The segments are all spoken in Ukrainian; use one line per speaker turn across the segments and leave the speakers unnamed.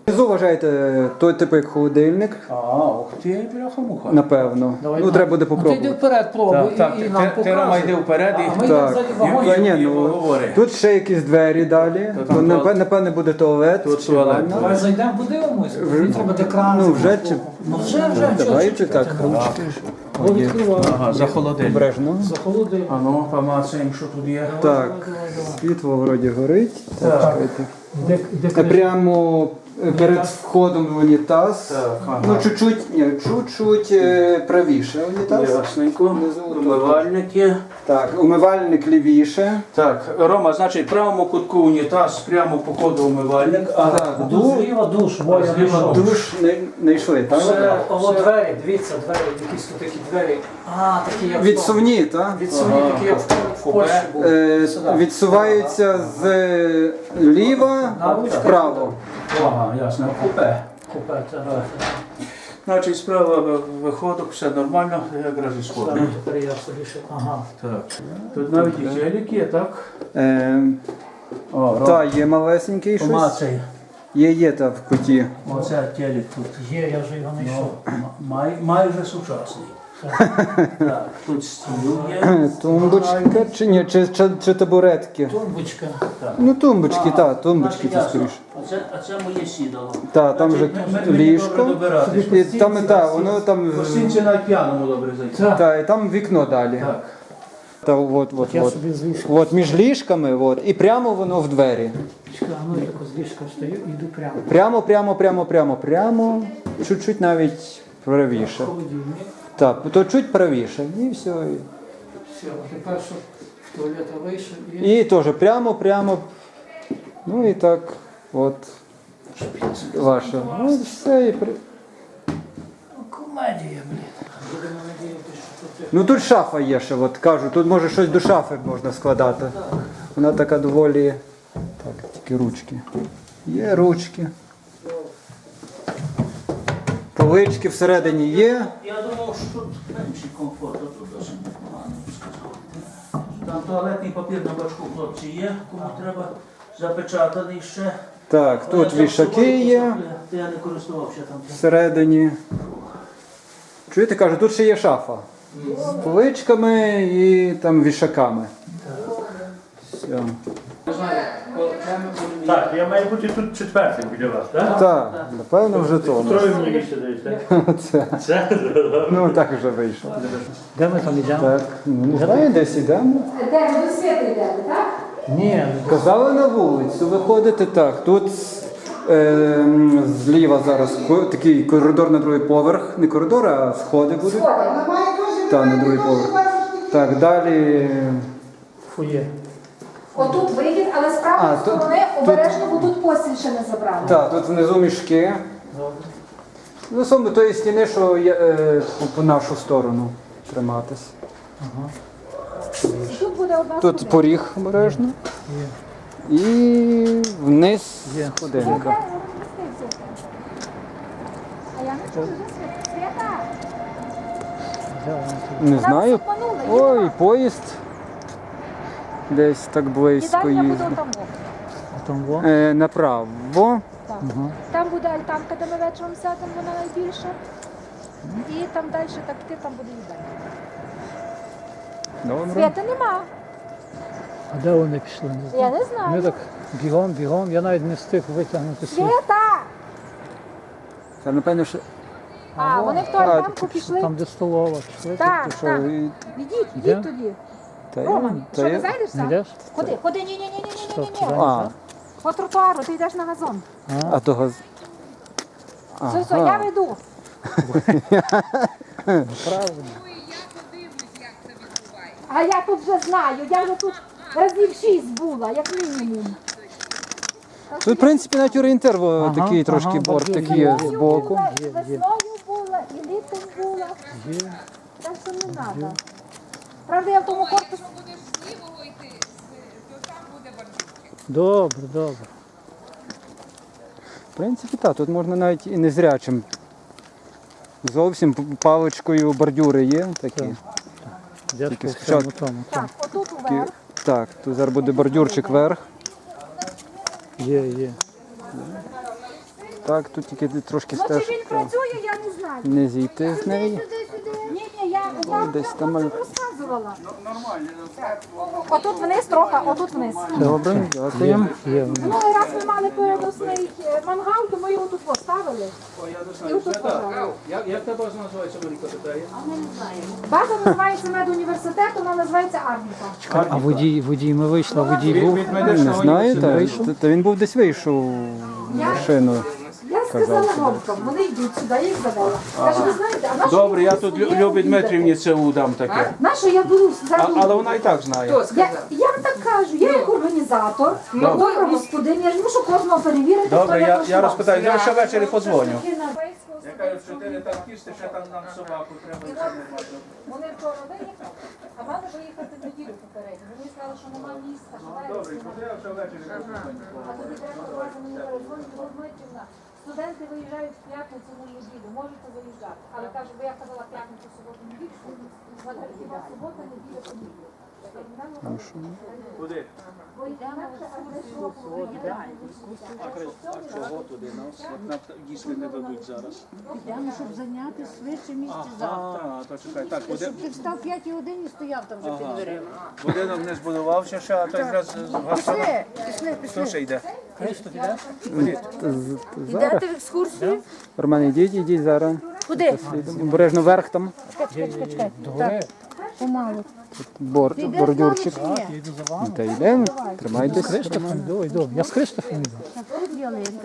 Внизу вважаєте той типу як холодильник,
Ух ти, бляха-муха.
Напевно. Ну, треба буде
Ти йди
попробувати.
вперед, пробуй
Так,
і нам
ти Рома йди
показуй.
вперед
А
і...
ми йдемо
Так.
ззаді вагон.
Та ні, ну,
говори.
тут ще якісь двері далі.
там
Ну,
туалет.
напевне буде туалет.
Тут
чи
туалет.
ванна.
Давай зайдемо, подивимось. Мені треба екран.
Ну, вже чи...
Ну вже,
Давайте так.
Бо відкриваю.
Ага, за холодильник.
Обережно.
За холодильник.
А ну, помацаємо, що тут є.
Так, світло вроді горить. Так.
Де
Прямо перед входом в унітаз.
Так, ага.
Ну, чуть-чуть правіше унітаз.
Ясненько.
Внизу
Умивальник є.
Так, умивальник лівіше.
Так, Рома, значить, в правому кутку унітаз, прямо по коду умивальник. А
Так,
Зліва душ, Боя
Зліва
знайшов.
душ не йшли, так?
Це о, двері, дивіться, двері, якісь тут такі двері. Такі як
Відсувні, так?
Відсувні, такі як в Польщі були.
Відсуваються з ліва вправо.
Ага, ясно, купе.
Купе, так.
Значить, справа виходок, все нормально, якраз і сходить.
Тепер я собі ще, ага.
Так. Тут навіть і гелік є, так? О, Рома,
Та, є малесенький щось.
помацай.
Є та в куті.
Оце телек тут.
Є, я вже його знайшов.
Майже сучасний. Так, тут стіл є.
Тумбочка чи ні, чи табуретки?
Тумбочка.
Ну тумбочки, так, тумбочки це скоріше.
А це моє сідало.
Так, там вже ліжко. І там, так, воно там.
Гостинці на п'яному добре зайти.
Так, і там вікно далі.
Так.
Та от.
Я собі з ліжка.
От між ліжками, от, і прямо воно в двері.
Ну, я тако з ліжка встаю і йду прямо.
Прямо. Чуть-чуть навіть правіше.
Холодильник.
Так, то чуть правіше. І все.
Все, тепер що в туалет вийшов і...
І теж прямо. Ну і так, от. Ваше. Ну, все і
Комедія, блін. Будемо надіятися, що тут...
Ну тут шафа є ще, от кажу, тут може щось до шафи можна складати. Вона така доволі. Так, тільки ручки. Є ручки. Полички всередині є.
Я думав, що тут менший комфорт, а тут досить непогано, я б сказав. Там туалетний папір на бачку, хлопці, є, кому треба запечатаний ще.
Так, тут
Я там
вішаки
собою
є
купив, я не користувався там.
всередині. Чуєте, кажу, тут ще є шафа. З поличками і там вішаками. Все.
Так, я маю бути тут четвертим біля вас, так?
Так, напевно вже то.
Троє мені місце даєте.
Це.
Це?
Ну так вже вийшло.
Де ми там йдемо?
Так, ну не знаю, десь йдемо.
Де ви до світу йдете, так?
Ні,
Казали на вулицю, виходити так. Тут зліва зараз такий коридор на другий поверх. Не коридор, а сходи будуть. Так, на другий поверх. Так, далі.
фує.
Отут вихід, але з правої
тут-
сторони обережно, бо тут постіль ще не забрали.
Так, тут внизу мішки. Ну, саме тої стіни, що є, по нашу сторону триматись.
Тут буде одна
Тут
сходинка.
поріг обережно. І вниз сходинка.
А я не чую вже Свята.
Не знаю.
Нас обманули,
Ой,
їдемо.
поїзд. Десь так близько
Їдальня буде
їздить.
там.
Там во.
Направо.
Так. Там буде альтанка, де ми вечором сядемо, вона найбільша. І там далі так ти, там буде їдальня.
Добре.
Свята нема.
А де вони пішли? Не знаю.
Я не знаю.
Ми так бігом, я навіть не встиг витягнути свій.
Свята!
Та напевно, що.
А, вони в ту альтанку пішли.
Там, де столова, пішли.
Так,
що,
так.
і-
Ідіть,
Де?
ідіть тоді.
та
Роман,
та
що
я-
не зайдеш
Не
сам?
йдеш?
Ходи, ні.
Стоп, туди.
А,
По тротуару, ти йдеш на газон.
а того.
Все, я веду.
Правильно.
А я тут вже знаю, я вже тут разів 6 була, як мінімум.
Тут, в принципі, навіть орієнтир такий трошки
ага,
борт
бордюр
такий
є.
з боку.
Була, і весною була, і літом була.
Є.
Так що не треба. Правда, я в тому корпусі.
Будеш з лівого йти, то там буде бардюки.
Добре.
В принципі, так, тут можна навіть і незрячим. Зовсім паличкою бордюри є такі.
Йдеш
Тільки
по
спочатку-
всьому тому.
Так, отут уверх.
Так, тут зараз буде бордюрчик вверх.
Є.
Так, тут тільки трошки
Ну, чи
стеж.
він працює, я не знаю.
Не зійти з неї.
Ні, я вам
Десь там.
розказувала. Отут вниз трохи, отут вниз.
Добре, дякуємо.
Минулий раз ми мали переносний мангал, то ми його тут поставили. І отут поставили.
Як та база називається, Маріка питає?
База називається медуніверситет, вона називається Арніка.
А водій ми вийшли, водій був.
Не знаєте, та він був десь вийшов в машину.
Я сказала громкам, вони йдуть сюди, я їх задала. Каже, ви знаєте, а нащо
Добре, я
ви
тут
своє
Любі
обідаєте?
Дмитрівні це удам таке.
Нащо я беру
Але вона і так знає.
Я вам так кажу, я як організатор, добра господиня, я ж мушу кожного перевірити, хто
Добре,
як
я
влаштувався.
розпитаю, я ще ввечері подзвоню.
Такі на-
Я кажу, 4 танкісти, ще там нам собаку треба.
І от вони вчора виїхали, а мали виїхати в неділю попередньо. Вони сказали, що немає місця, що має
Добре,
місця.
я ще ввечері подзвоню.
А тоді треба одразу мені перезвонити, Дмитрівна. Студенти виїжджають в п'ятницю на неділю, можете виїжджати. Але кажу, бо я казала п'ятницю, суботу, неділю, що хіба субота, неділя, понеділок.
Куди?
Бо інакше, а де що
Чого туди? Нам їсти не дадуть зараз.
Йдемо, щоб зайняти швидше місце завтра.
А, то чекай. Так,
Щоб ти встав 5 годині і стояв там вже під дверима.
будинок не збудувався ще, а то якраз
Пішли, пішли,
Хто
пішли.
ще йде?
Йдете в екскурсію?
Роман, ідіть зараз.
Куди?
Обережно вверх там.
Чекай. Так, помалу.
Бордюрчик.
Ні,
Ну, та йдемо, тримайтесь.
Я з Христофом йду.
тут ялинка,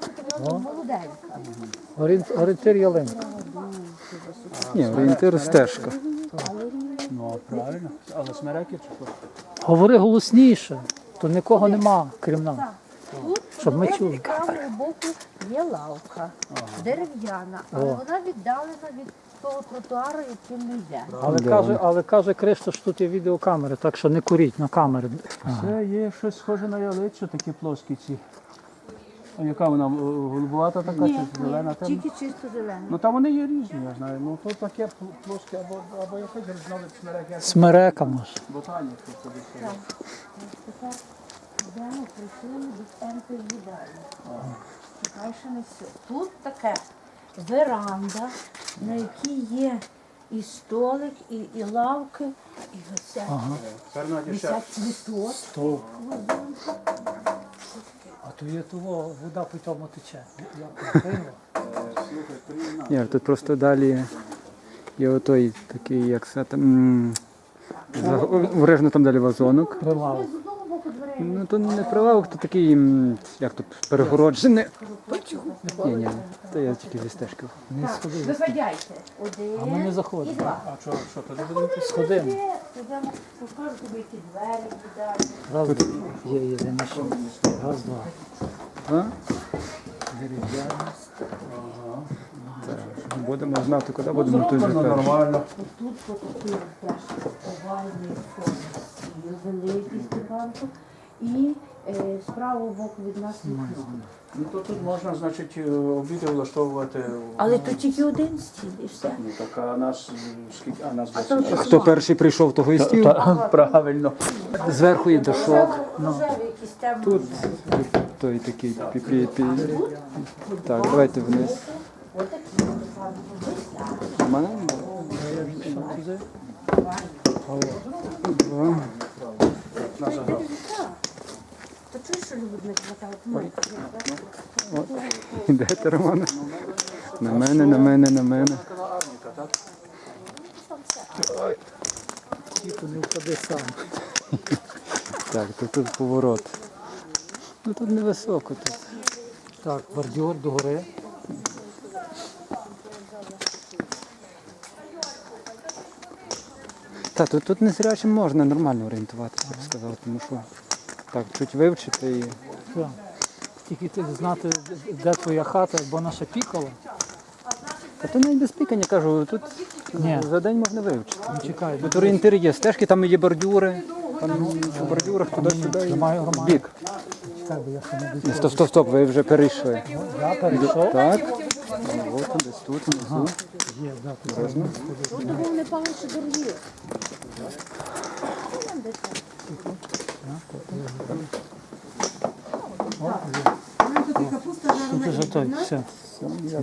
молоденька.
Орієнтир ялинка.
Ні, орієнтир стежка.
Ну, правильно. Але смереки чи що?
Говори голосніше, то нікого нема, крім нас. Щоб ми чули.
З правого боку є лавка, дерев'яна, але вона віддалена від того тротуару, яким ми йдемо.
Але каже Кристоф, що тут є відеокамери, так що не куріть на камери.
Це є щось схоже на ялицю, такі плоскі ці. А яка вона голубувата така чи зелена темна?
Тільки чисто зелена.
Ну там вони є різні, я знаю. Ну тут таке плоске або якось різновид смерек,
Смерека може.
ботанік. Тут собі.
Тепер йдемо, прийшли до центру їдальні. Чекай, ще не все. Тут таке веранда, на якій є і столик, і лавки, і висять цвіток.
А то є того, вода по тому тече.
Ні, тут просто далі є отой такий, як це там. Обережно там далі вазонок.
Прилавок.
З одного боку дверей.
Ну то не прилавок, то такий, як тут, перегороджений. Ні, то я тільки зі стежки.
Не сходи.
Виходяйте.
А ми не
Один і
заходимо.
два.
А що туди будемо?
Сходимо.
Йдемо, покажу тобі, які двері їдальні.
Раз, є, знайшов. Раз, два.
А? Будемо знати, куди будемо тут жити.
Нормально.
Тут такий теж овальний форми стіл, великий Степанко. І з правого боку від нас вікно.
Ну то тут можна, значить, обіди влаштовувати.
Але тут тільки один стіл і все.
Ну так, а нас скільки? А нас
то
10.
Хто перший прийшов, того і стів.
Правильно.
Зверху є дошок.
Рожевий якийсь темний.
Тут той такий пі-пі-пі. Так, давайте вниз.
Отакий Степанко. Висять.
У мене два.
То чуєш, що любить не хватало?
Ідете, Романе? На мене, на мене, на мене.
Тільки не впади сам.
Так, тут поворот. Ну тут невисоко тут.
Так, бордюр догори.
Так, тут незрячим можна нормально орієнтуватися, я б сказав, тому що так, чуть вивчити і.
Все. Тільки ти знати, де твоя хата, бо наша пікала.
А то навіть без пікання, кажу, тут
Ні.
за день можна вивчити.
Чекай,
Тут орієнтири є, стежки, там є бордюри, там по бордюрах туди-сюди і
Тримаю
в
Романа.
бік.
чекай, бо я ще не
Ні, стоп, ви вже перейшли.
Я перейшов.
Так, ну, от, десь тут, внизу.
Є, да, тут
Обережно.
Тут був не паличі дорогі.
Тут вже той, все.
Все,